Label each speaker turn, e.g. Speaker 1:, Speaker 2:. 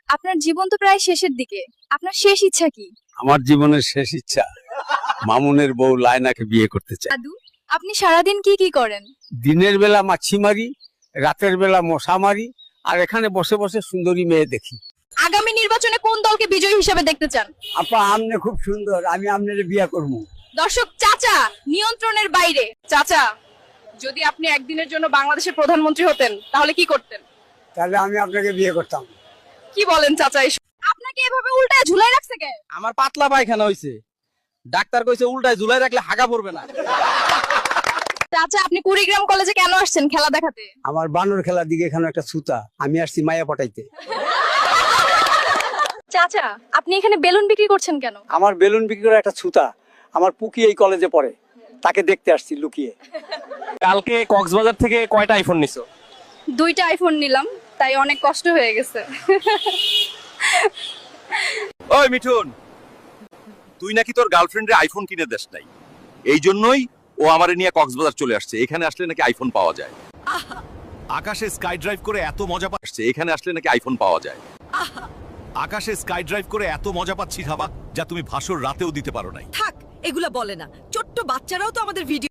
Speaker 1: আপনার জীবন তো প্রায় শেষের দিকে, আপনার শেষ ইচ্ছা কি?
Speaker 2: আমার জীবনের শেষ ইচ্ছা মামুনের বউ লায়নাকে বিয়ে করতে চাই।
Speaker 1: দাদু, আপনি সারাদিন কি কি করেন?
Speaker 2: দিনের বেলা মাছি মারি, রাতের বেলা মশা মারি, আর এখানে বসে বসে সুন্দরী মেয়ে দেখি।
Speaker 1: আগামী নির্বাচনে কোন দলকে বিজয়ী হিসেবে দেখতে চান?
Speaker 2: আপা আমনে খুব সুন্দর, আমি আমনের বিয়ে করবো।
Speaker 1: দর্শক, চাচা নিয়ন্ত্রণের বাইরে। চাচা, যদি আপনি একদিনের জন্য বাংলাদেশের প্রধানমন্ত্রী হতেন তাহলে কি করতেন?
Speaker 2: তাহলে আমি আপনাকে বিয়ে করতাম।
Speaker 1: কি বলেন চাচা এসব? আপনাকে এভাবে উল্টায় ঝুলাই রাখছে কে?
Speaker 3: আমার পাতলা পায়খানা হইছে, ডাক্তার কইছে উল্টায় ঝুলাই রাখলে হাগা পড়বে না।
Speaker 1: চাচা, আপনি কুড়িগ্রাম কলেজে কেন আসছেন খেলা দেখাতে?
Speaker 2: আমার বানর খেলার দিকে এখানে একটা সুতা, আমি আসছি মায়া পটাইতে।
Speaker 1: চাচা, আপনি এখানে বেলুন বিক্রি করছেন কেন?
Speaker 2: আমার বেলুন বিক্রি করে একটা সুতা, আমার পুকি এই কলেজে পড়ে, তাকে দেখতে আসছি লুকিয়ে।
Speaker 3: কালকে কক্সবাজার থেকে কয়টা আইফোন নিছো?
Speaker 1: 2টা আইফোন নিলাম, তাই অনেক কষ্ট হয়ে গেছে।
Speaker 4: ওই মিঠুন, তুই নাকি তোর গার্লফ্রেন্ডের আইফোন কিনে দেস নাই, এই জন্যই ও আমারে নিয়ে কক্সবাজার চলে আসছে। এখানে আসলে নাকি আইফোন পাওয়া যায়।
Speaker 5: আকাশে স্কাই ড্রাইভ করে এত মজা
Speaker 4: আসছে এখানে আসলে নাকি আইফোন পাওয়া যায়।
Speaker 5: আকাশে স্কাই ড্রাইভ করে এত মজা পাচ্ছি খাবা, যা তুমি ভাসর রাতেও দিতে পারো নাই।
Speaker 6: থাক, এগুলা বলে না। ছোট্ট বাচ্চারাও তো আমাদের ভিডিও